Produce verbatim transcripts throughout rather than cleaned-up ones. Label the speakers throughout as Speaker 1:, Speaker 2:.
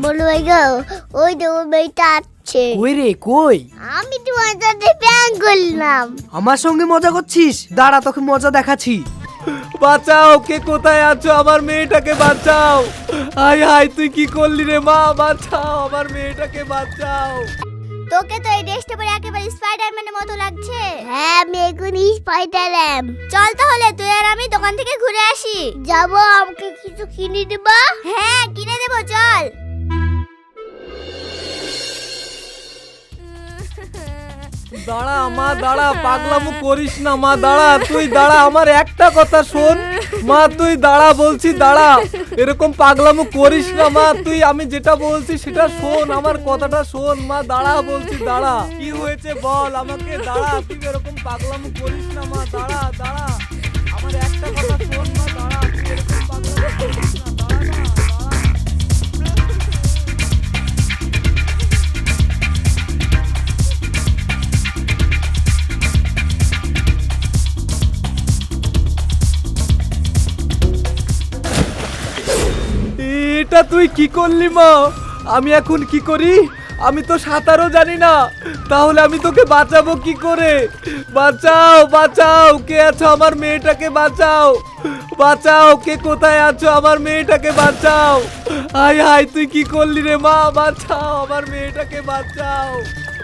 Speaker 1: বলো ভাই গো, ওই তো ওই মেয়েটা আছে।
Speaker 2: কই রে কই?
Speaker 1: আমি তোমার সাথে প্ল্যান করলাম।
Speaker 2: আমার সঙ্গে মজা করছিস? দাঁড়া তোকে মজা দেখাচ্ছি।
Speaker 3: বাঁচাও, কে কোথায় আছো? আমার মেয়েটাকে বাঁচাও। হাই হাই, তুই কি করলি রে মা? বাঁচাও, আমার মেয়েটাকে বাঁচাও।
Speaker 1: তোকে তো এই ড্রেসটা পরে একেবারে স্পাইডারম্যানের মতো লাগছে। হ্যাঁ, আমি এখনই স্পাইডারম্যান। চল তাহলে তুই আর আমি দোকান থেকে ঘুরে আসি। যাবো, আমাকে কিছু কিনে দেবা? হ্যাঁ, কিনে দেবো, চল।
Speaker 3: দাঁড়া মা, দাঁড়া, পাগলামো করিস না মা, দাঁড়া, তুই দাঁড়া, আমার একটা কথা শোন মা, তুই দাঁড়া বলছি, দাঁড়া, এরকম পাগলামো করিস না মা, তুই আমি যেটা বলছি সেটা শোন, আমার কথাটা শোন মা, দাঁড়া বলছি, দাঁড়া, কি হয়েছে বল আমাকে, দাঁড়া, তুই এরকম পাগলামো করিস না মা, দাঁড়া দাঁড়া, আমার একটা কথা শোন মা, দাঁড়া, তুই এরকম পাগলামো করিস না, দাঁড়া না, দাঁড়া। এটা তুই কি করলি মা? আমি এখন কি করি? আমি তো সাঁতারও জানি না, তাহলে আমি তোকে বাঁচাবো কি করে? বাঁচাও বাঁচাও, কে আছো? আমার মেয়েটাকে বাঁচাও, বাঁচাও, কে কোথায় আছো? আমার মেয়েটাকে বাঁচাও। হাই হাই, তুই কি করলি রে মা? বাঁচাও, আমার মেয়েটাকে বাঁচাও।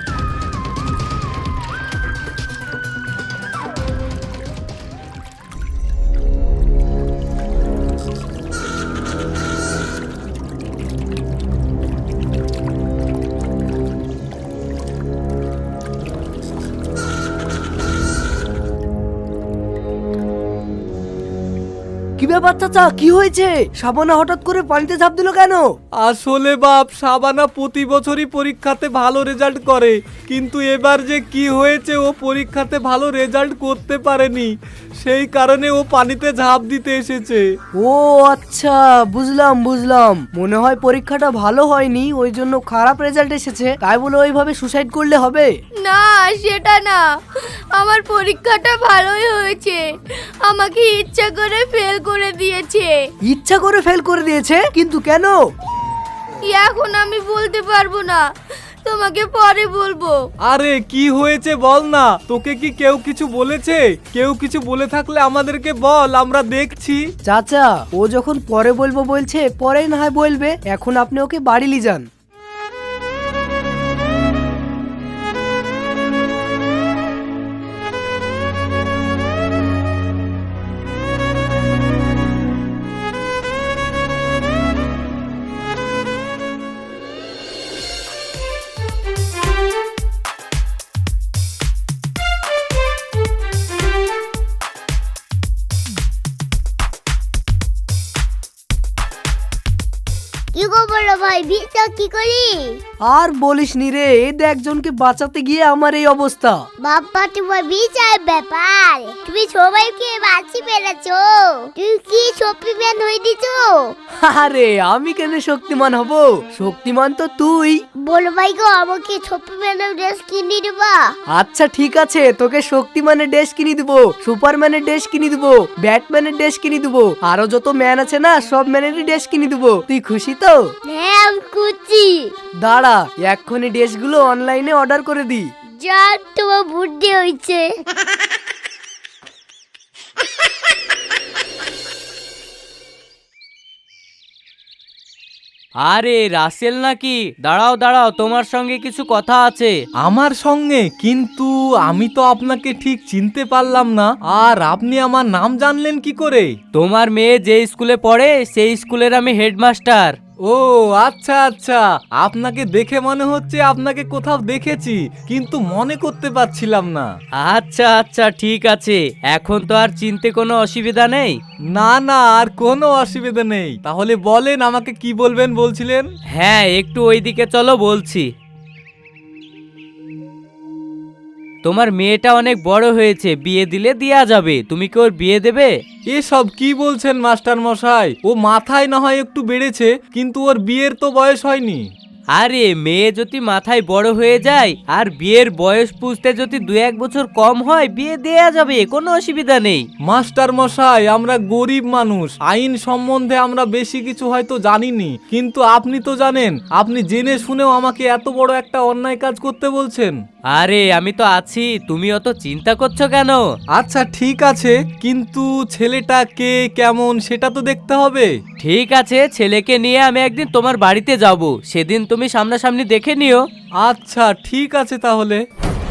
Speaker 2: কি ব্যাপার চাচা, কি হয়েছে? সাবানা হঠাৎ করে পানিতে ঝাঁপ দিল কেন?
Speaker 3: আসলে বাপ, সাবানা প্রতি বছরই পরীক্ষাতে ভালো রেজাল্ট করে, কিন্তু এবার যে কি হয়েছে, ও পরীক্ষাতে ভালো রেজাল্ট করতে পারেনি, সেই কারণে ও পানিতে ঝাঁপ দিতে এসেছে।
Speaker 2: ও আচ্ছা, বুঝলাম বুঝলাম, মনে হয় পরীক্ষাটা ভালো হয়নি, ওই জন্য খারাপ রেজাল্ট এসেছে, তাই বলে ওইভাবে সুসাইড করলে হবে?
Speaker 4: না, সেটা না, আমার পরীক্ষাটা ভালোই হয়েছে, আমাকে ইচ্ছা করে ফেল করে দিয়েছে।
Speaker 2: ইচ্ছা করে ফেল করে দিয়েছে? কিন্তু কেন?
Speaker 4: এখন আমি বলতে পারবো না, তোমাকে পরে বলবো।
Speaker 3: আরে কি হয়েছে বল না, তোকে কি কেউ কিছু বলেছে? কেউ কিছু বলে থাকলে আমাদেরকে বল, আমরা দেখছি।
Speaker 2: চাচা, ও যখন পরে বলবো বলছে, পরে না হয় বলবে, এখন আপনি ওকে বাড়ি নিয়ে যান।
Speaker 1: কি গো বলো ভাই, বিটা কি করি?
Speaker 2: আর বলিস নি রে, এই দেখ একজনকে বাঁচাতে গিয়ে আমার এই অবস্থা।
Speaker 1: বাপ্পা, তোমার বিচার ব্যাপার, তুমি সবাইকে বাঁচি পেরেছো, তুই কি শক্তিমান হয়ে দিছো?
Speaker 2: আরে আমি কেন শক্তিমান হব? শক্তিমান তো তুই।
Speaker 1: বলো ভাই গো, আমাকে শক্তিমানের ড্রেস কিনে দেবা?
Speaker 2: আচ্ছা ঠিক আছে, তোকে শক্তিমানের ড্রেস কিনে দিবো, সুপারম্যানের ড্রেস কিনে দিবো, ব্যাটম্যানের ড্রেস কিনে দিবো, আরো যত ম্যান আছে না, সব ম্যানেরই ড্রেস কিনে দিবো। তুই খুশি তো?
Speaker 1: হ্যাঁ, আমি খুঁজছি।
Speaker 2: দাঁড়া, এক্ষুনি ড্রেসগুলো অনলাইনে অর্ডার করে দি।
Speaker 1: যা, তোমার বুদ্ধি হয়েছে।
Speaker 5: আরে রাসেল নাকি? দাঁড়াও দাঁড়াও, তোমার সঙ্গে কিছু কথা আছে।
Speaker 3: আমার সঙ্গে? কিন্তু আমি তো আপনাকে ঠিক চিনতে পারলাম না, আর আপনি আমার নাম জানলেন কি করে?
Speaker 5: তোমার মেয়ে যে স্কুলে পড়ে সেই স্কুলের আমি হেডমাস্টার।
Speaker 3: ও আচ্ছা আচ্ছা, আপনাকে দেখে মনে হচ্ছে আপনাকে কোথাও দেখেছি, কিন্তু মনে করতে পারছিলাম না।
Speaker 5: আচ্ছা আচ্ছা ঠিক আছে, এখন তো আর চিনতে কোনো অসুবিধা নেই।
Speaker 3: না না, আর কোনো অসুবিধা নেই। তাহলে বলেন, আমাকে কি বলবেন বলছিলেন?
Speaker 5: হ্যাঁ, একটু ওইদিকে চলো, বলছি। তোমার মেয়েটা অনেক বড় হয়েছে, বিয়ে দিলে দেয়া যাবে, তুমি কি ওর বিয়ে দেবে?
Speaker 3: এসব কি বলছেন মাস্টার মশাই? ও মাথায় না হয় একটু বেড়েছে, কিন্তু ওর বিয়ের তো বয়স হয়নি।
Speaker 5: আরে মেয়ে যদি মাথায় বড় হয়ে যায় আর বিয়ের বয়স পুষতে যদি দু এক বছর কম হয় বিয়ে দেয়া যাবে, কোনো অসুবিধা নেই।
Speaker 3: মাস্টার মশাই, আমরা গরিব মানুষ, আইন সম্বন্ধে আমরা বেশি কিছু হয়তো জানিনি, কিন্তু আপনি তো জানেন। আপনি জেনে শুনেও আমাকে এত বড় একটা অন্যায় কাজ করতে বলছেন।
Speaker 5: আরে আমি তো আছি, তুমি অত চিন্তা করছো কেন?
Speaker 3: আচ্ছা ঠিক আছে, কিন্তু ছেলেটা কে কেমন সেটা তো দেখতে হবে।
Speaker 5: ঠিক আছে, ছেলেকে নিয়ে আমি একদিন তোমার বাড়িতে যাব, সেদিন তুমি সামনাসামনি দেখে নিও।
Speaker 3: আচ্ছা ঠিক আছে তাহলে।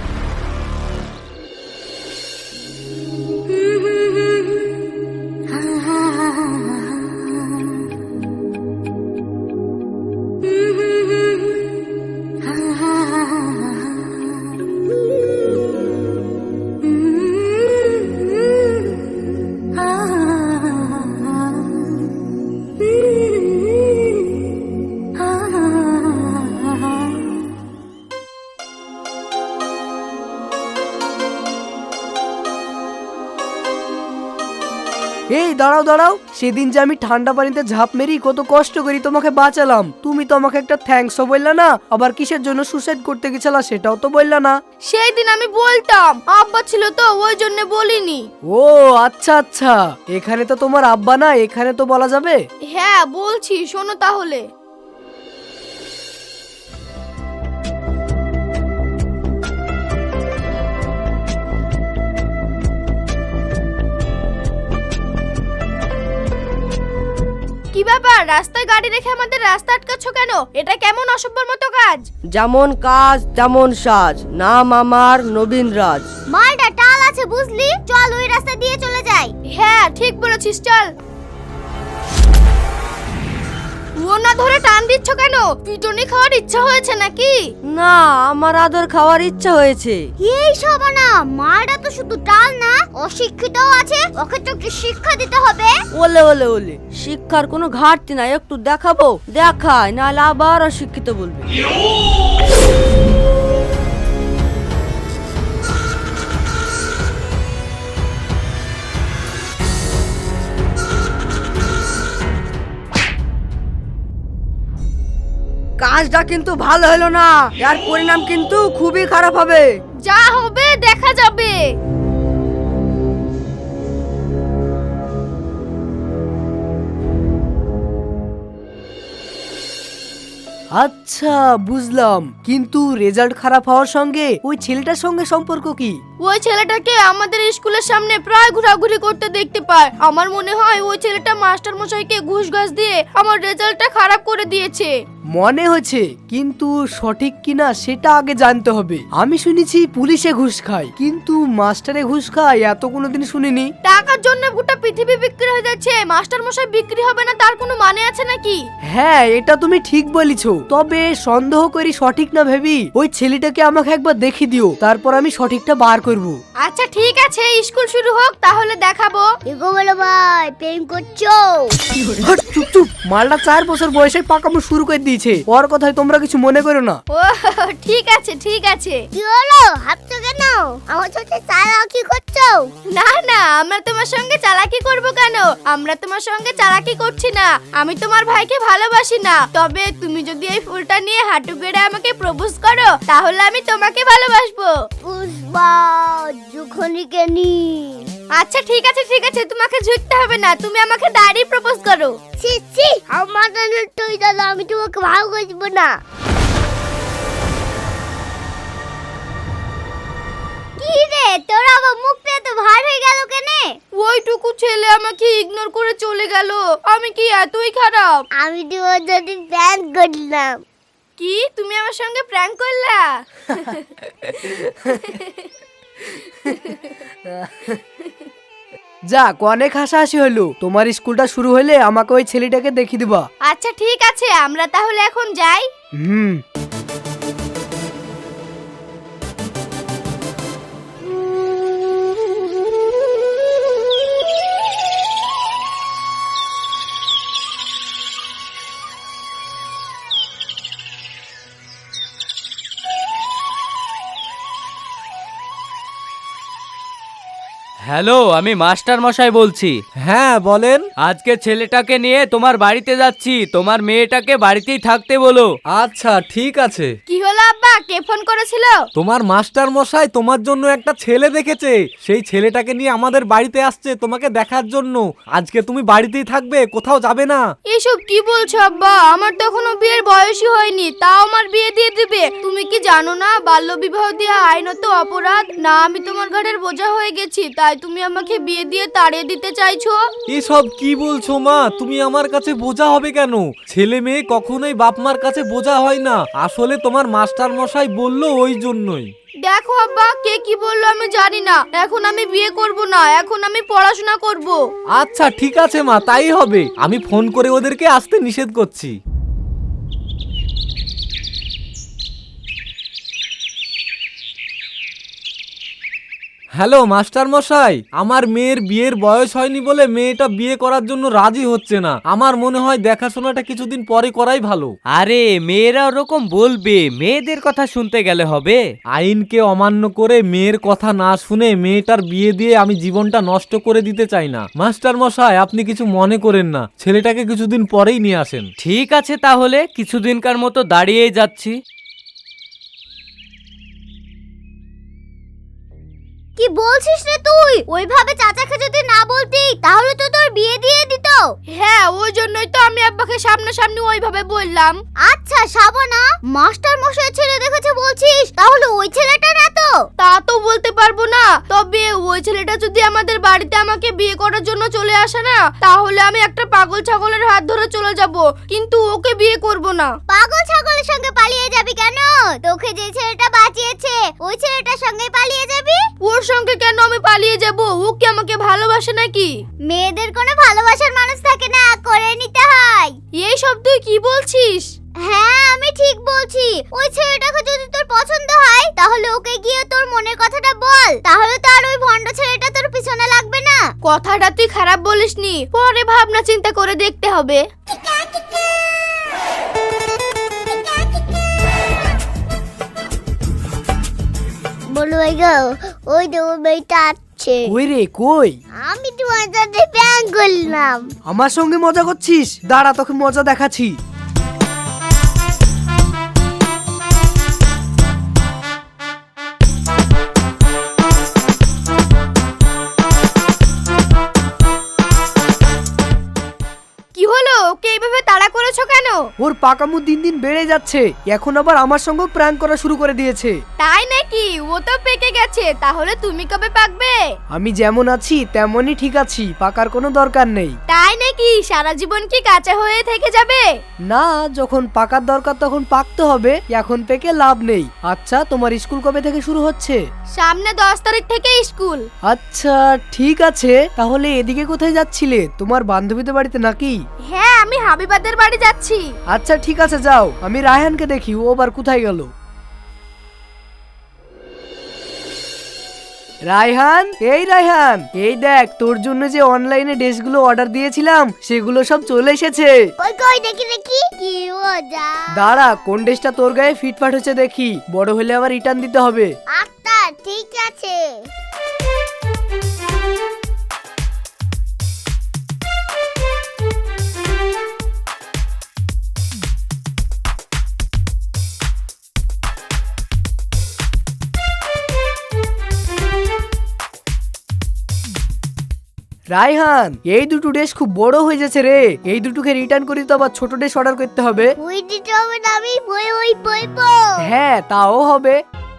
Speaker 2: এই দাঁড়াও দাঁড়াও, সেদিন যে আমি ঠান্ডা পানিতে ঝাঁপ মেরি কত কষ্ট করি তোমাকে বাঁচালাম, তুমি তো আমাকে একটা থ্যাঙ্কসও বললা না, আবার কিসের জন্য সুসাইড করতে গেছিলা সেটাও তো বললা না।
Speaker 4: সেই দিন আমি বলতাম, আব্বা ছিল তো ওই জন্য বলিনি।
Speaker 2: ও আচ্ছা আচ্ছা, এখানে তো তোমার আব্বা না, এখানে তো বলা যাবে।
Speaker 4: হ্যাঁ বলছি, শোনো তাহলে। কি ব্যাপার, রাস্তায় গাড়ি রেখে আমাদের রাস্তা আটকাচ্ছ কেন? এটা কেমন অসভ্যর মতো কাজ?
Speaker 6: যেমন কাজ তেমন সাজ, নাম আমার নবীন রাজ।
Speaker 1: মালটা টাল আছে বুঝলি, চল ওই রাস্তা দিয়ে চলে যাই।
Speaker 4: হ্যাঁ ঠিক বলেছিস, চল। ও না ধরে টান দিচ্ছ কেন? পিটুনি খাওয়ার ইচ্ছা হয়েছে নাকি?
Speaker 6: না, আমার আদর খাওয়ার ইচ্ছা হয়েছে।
Speaker 1: এই সব না, মালটা তো শুধু টাল না, অশিক্ষিতও আছে, ওকে তো একটু শিক্ষা দিতে হবে।
Speaker 6: ওলে ওলে ওলে, শিক্ষার কোনো ঘাটতি নাই, একটু দেখাবো, দেখায় নাহলে আবার অশিক্ষিত বলবে। কাজটা কিন্তু ভালো হলো না, এর পরিণাম কিন্তু খুবই খারাপ হবে।
Speaker 4: যা হবে দেখা যাবে।
Speaker 2: আচ্ছা বুঝলাম, কিন্তু রেজাল্ট খারাপ হওয়ার সঙ্গে ওই ছেলেটার সঙ্গে সম্পর্ক কি?
Speaker 4: ওই ছেলেটাকে আমাদের স্কুলের সামনে প্রায় ঘোরাঘুরি করতে দেখতে পায়। আমার মনে হয় ওই ছেলেটা মাস্টার মশাইকে ঘুষ ঘাস দিয়ে আমার রেজাল্টটা খারাপ করে দিয়েছে।
Speaker 2: মনে হচ্ছে, কিন্তু সঠিক কিনা সেটা আগে জানতে হবে। আমি শুনেছি পুলিশে ঘুষ খায়, কিন্তু মাস্টারে ঘুষ খায় এত কোনোদিন শুনিনি।
Speaker 4: টাকার জন্য গোটা পৃথিবী বিক্রি হয়ে যাচ্ছে, মাস্টার মশাই বিক্রি হবে না তার কোনো মানে আছে নাকি?
Speaker 2: হ্যাঁ এটা তুমি ঠিক বলেছো, তবে সন্দেহ করি সঠিক না ভেবি ওই ছেলেটাকে আমাকে একবার দেখি দিও, তারপর আমি সঠিকটা বার করব।
Speaker 4: আচ্ছা ঠিক আছে, স্কুল শুরু হোক তাহলে দেখাবো।
Speaker 1: এগো বলো ভাই, প্রেম করছো?
Speaker 2: হট, চুপ চুপ, মালটা চার বছর বয়সে পাকামো শুরু করে দিয়েছে, ওর কথায় তোমরা কিছু মনে করো না।
Speaker 4: ও ঠিক আছে ঠিক আছে।
Speaker 1: কি হলো, হাঁটছো কেন? আমার সাথে চালাকি করছো?
Speaker 4: না না, আমরা তোমার সঙ্গে চালাকি করব কেন? আমরা তোমার সঙ্গে চালাকি করছি না, আমি তোমার ভাইকে ভালোবাসি না। তবে তুমি যদি এই ফুলটা নিয়ে হাঁটু গেড়ে আমাকে প্রপোজ করো তাহলে আমি তোমাকে ভালোবাসবো।
Speaker 1: পুষ্পা যখনই কেনি।
Speaker 4: আচ্ছা ঠিক আছে ঠিক আছে, তোমাকে ঝুঁকতে হবে না, তুমি আমাকে দাঁড়িয়ে প্রপোজ করো।
Speaker 1: ছি ছি, আমার তুই দাদা, আমি তোমাকে ভালোবাসবো না। কি রে, তোর আবার মুখটা এত ভার হয়ে গেল কেনে?
Speaker 4: ওইটুকু ছেলে আমাকে ইগনোর করে চলে গেল, আমি কি এতই খারাপ?
Speaker 1: আমি তোমার যদি প্ল্যান করলাম।
Speaker 4: কি তুমি আমার সঙ্গে প্র্যাঙ্ক করলা?
Speaker 2: যাক, অনেক হাসাহাসি হলো, তোমার স্কুলটা শুরু হলে আমাকে ওই ছেলেটাকে দেখিয়ে দিবা।
Speaker 4: আচ্ছা ঠিক আছে, আমরা তাহলে এখন যাই।
Speaker 2: হুম।
Speaker 5: হ্যালো, আমি মাস্টার মশাই বলছি।
Speaker 3: হ্যাঁ বলেন।
Speaker 5: আজকে ছেলেটাকে নিয়ে তোমার বাড়িতে যাচ্ছি, তোমার মেয়েটাকে বাড়িতেই থাকতে বলো।
Speaker 3: আচ্ছা ঠিক আছে।
Speaker 4: কি হলো আব্বা, কে ফোন করেছিল?
Speaker 3: তোমার মাস্টার মশাই তোমার জন্য একটা ছেলে দেখেছে, সেই ছেলেটাকে নিয়ে আমাদের বাড়িতে আসছে তোমাকে দেখার জন্য। আজকে তুমি বাড়িতেই থাকবে, কোথাও যাবে না।
Speaker 4: এসব কি বলছো আব্বা? আমার তো এখনো বিয়ের বয়সই হয়নি, তাও আমার বিয়ে দিয়ে দিবে? তুমি কি জানো না বাল্য বিবাহ দেওয়া আইনত অপরাধ? না আমি তোমার ঘাড়ের বোঝা হয়ে গেছি, তাই তুমি আমাকে বিয়ে দিয়ে তাড়িয়ে দিতে চাইছো?
Speaker 3: এসব কি বলছো মা? তুমি আমার কাছে বোঝা হবে কেন? ছেলে মেয়ে কখনোই বাপ মার কাছে বোঝা হয় না। আসলে তোমার মাস্টার মশাই বললো ওই জন্যই।
Speaker 4: দেখো আব্বা, কে কি বললো আমি জানি না। এখন আমি বিয়ে করব না, এখন আমি পড়াশোনা করব।
Speaker 3: আচ্ছা ঠিক আছে মা, তাই হবে। আমি ফোন করে ওদেরকে আসতে নিষেধ করছি। হ্যালো মাস্টার মশাই, আমার মেয়ের বিয়ের বয়স হয়নি বলে মেয়েটা বিয়ে করার জন্য রাজি হচ্ছে না। আমার মনে হয় দেখাশোনাটা কিছুদিন পরে করাই ভালো।
Speaker 5: আরে মেয়েরা ওরকম বলবে, মেয়েদের কথা শুনতে গেলে হবে?
Speaker 3: আইনকে অমান্য করে মেয়ের কথা না শুনে মেয়েটার বিয়ে দিয়ে আমি জীবনটা নষ্ট করে দিতে চাই না। মাস্টার মশাই আপনি কিছু মনে করেন না, ছেলেটাকে কিছুদিন পরেই নিয়ে আসেন।
Speaker 5: ঠিক আছে, তাহলে কিছুদিনকার মতো দাঁড়িয়েই যাচ্ছি।
Speaker 1: কি বলছিস রে তুই? ওইভাবে চাচাকে যদি না বলতি তাহলে তো তোর বিয়ে দিয়ে দিত।
Speaker 4: হ্যাঁ, ওই জন্যই তো আমি আব্বাকে সামনাসামনি ওইভাবে বললাম।
Speaker 1: আচ্ছা শাবানা, মাস্টার মশাই ছেলে দেখেছে বলছিস, তাহলে ওই ছেলেটা না তো?
Speaker 4: তা তো বলতে পারবো না, তবে ওই ছেলেটা যদি আমাদের বাড়িতে আমাকে বিয়ে করার জন্য চলে আসে না, তাহলে আমি একটা পাগল ছাগলের হাত ধরে চলে যাব, কিন্তু ওকে বিয়ে করব না।
Speaker 1: পাগল ছাগলের সঙ্গে পালিয়ে যাবি কেন? তোকে যে ছেলেটা বাঁচিয়েছে ওই ছেলেটার সঙ্গে পালিয়ে যাবি?
Speaker 4: ওর সঙ্গে কেন আমি পালিয়ে যাব? ও কি আমাকে ভালোবাসে নাকি?
Speaker 1: মেয়েদের কোনো ভালোবাসার মানুষ থাকে না, করে নিতে হয়।
Speaker 4: এই সব তুই কি বলছিস?
Speaker 1: হ্যাঁ আমি ঠিক বলছি। ওই ছেলেটাকে যদি তোর পছন্দ হয় তাহলে ওকে গিয়ে তোর মনের কথাটা বল, তাহলে তো আর ওই ভণ্ড ছেলেটা তোর পিছনে লাগবে না।
Speaker 4: কথাটা তুই খারাপ বলিসনি, পরে ভাবনা চিন্তা করে দেখতে হবে।
Speaker 1: বলো ওই গো, ওই তো ওই মেয়েটা আছে।
Speaker 2: কই রে কই?
Speaker 1: আমি তোমার সাথে প্র্যাঙ্ক করলাম।
Speaker 2: আমার সঙ্গে মজা করছিস? দাঁড়া তোকে মজা দেখাচ্ছি।
Speaker 4: কি হলো? ওকে এইভাবে তাড়া করেছো কেন?
Speaker 2: ওর পাকামু দিন দিন বেড়ে যাচ্ছে, এখন আবার আমার সঙ্গে প্র্যাঙ্ক করা শুরু করে দিয়েছে।
Speaker 4: তাই নাকি? ও তো পেকে গেছে, তাহলে তুমি কবে পাকবে?
Speaker 2: আমি যেমন আছি তেমনই ঠিক আছি, পাকার কোনো দরকার নেই।
Speaker 4: তাই নাকি? সারা জীবন কি কাঁচা হয়ে থেকে যাবে?
Speaker 2: না, যখন পাকার দরকার তখন পাকতে হবে, এখন পেকে লাভ নেই। আচ্ছা তোমার স্কুল কবে থেকে শুরু হচ্ছে?
Speaker 4: সামনে দশ তারিখ থেকে স্কুল।
Speaker 2: আচ্ছা ঠিক আছে, তাহলে এদিকে কোথায় যাচ্ছিলে? তোমার বান্ধবীদের বাড়িতে নাকি?
Speaker 4: হ্যাঁ, আমি হাবিবাদের বাড়ি যাচ্ছি।
Speaker 2: আচ্ছা ঠিক আছে যাও, আমি রায়হানকে দেখি ও আবার কোথায় গেল। রায়হান, এই রায়হান, এই দেখ তোর জন্য যে অনলাইনে ড্রেসগুলো অর্ডার দিয়েছিলাম সেগুলো সব চলে এসেছে।
Speaker 1: কই কই দেখি দেখি। কি মজা।
Speaker 2: দাঁড়া, কোন ড্রেসটা তোর গায়ে ফিটফাট হচ্ছে দেখি, বড় হলে আবার রিটার্ন দিতে হবে।
Speaker 1: আচ্ছা ঠিক আছে।
Speaker 2: রায়হান, এই দুটো ড্রেস খুব বড় হয়ে যাচ্ছে রে, এই দুটোকে রিটার্ন করে তো আবার ছোট ড্রেস অর্ডার করতে হবে।
Speaker 1: ওই দিতে হবে না, আমি বই ওই বইবো।
Speaker 2: হ্যাঁ তাও হবে।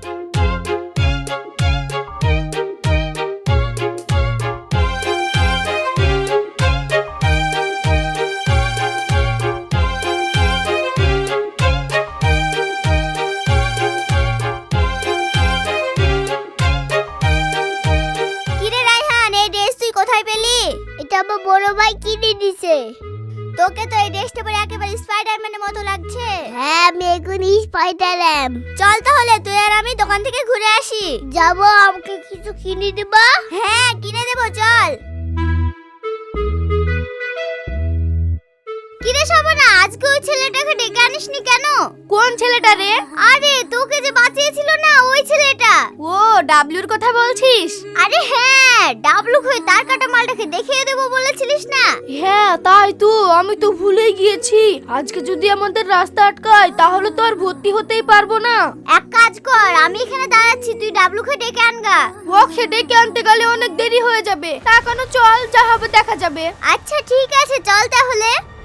Speaker 1: কিরে রায়হান, এই ড্রেস তুই কোথায় পেলি? এটা আমার বড় ভাই কিনে দিছে। তোকে তো এই ড্রেসটা পরে একেবারে স্পাইডারম্যানের মতো লাগছে। হ্যাঁ আমি এখন স্পাইডারম্যান। চল তাহলে তুই আর আমি দোকান থেকে ঘুরে আসি। যাবো, আমাকে কিছু কিনে দেবা? হ্যাঁ কিনে দেবো, চল। কিরে শাবানা, আজ আজকে ওই ছেলেটাকে ডেকে আনিসনি কেন?
Speaker 4: কোন ছেলেটা রে?
Speaker 1: আরে তোকে যে বাঁচিয়েছিল না ওই ছেলেটা।
Speaker 4: ও ডাবলুর কথা বলছিস?
Speaker 1: আরে হ্যাঁ, ডাবলু কই তার কাটা মালটাকে দেখিয়ে দেবো বলেছিলিস না?
Speaker 4: হ্যাঁ তাই তো, আমি তো ভুলেই গিয়েছি। আজকে যদি আমাদের রাস্তা আটকায় তাহলে তো আর ভর্তি হতেই পারবো না।
Speaker 1: এক কাজ কর, আমি এখানে দাঁড়াচ্ছি, তুই ডাবলুকে ডেকে আনগা।
Speaker 4: ওকে ডেকে আনতে গেলে অনেক দেরি হয়ে যাবে। তা কেন, চল, যা হবে দেখা যাবে।
Speaker 1: আচ্ছা ঠিক আছে, চল তাহলে।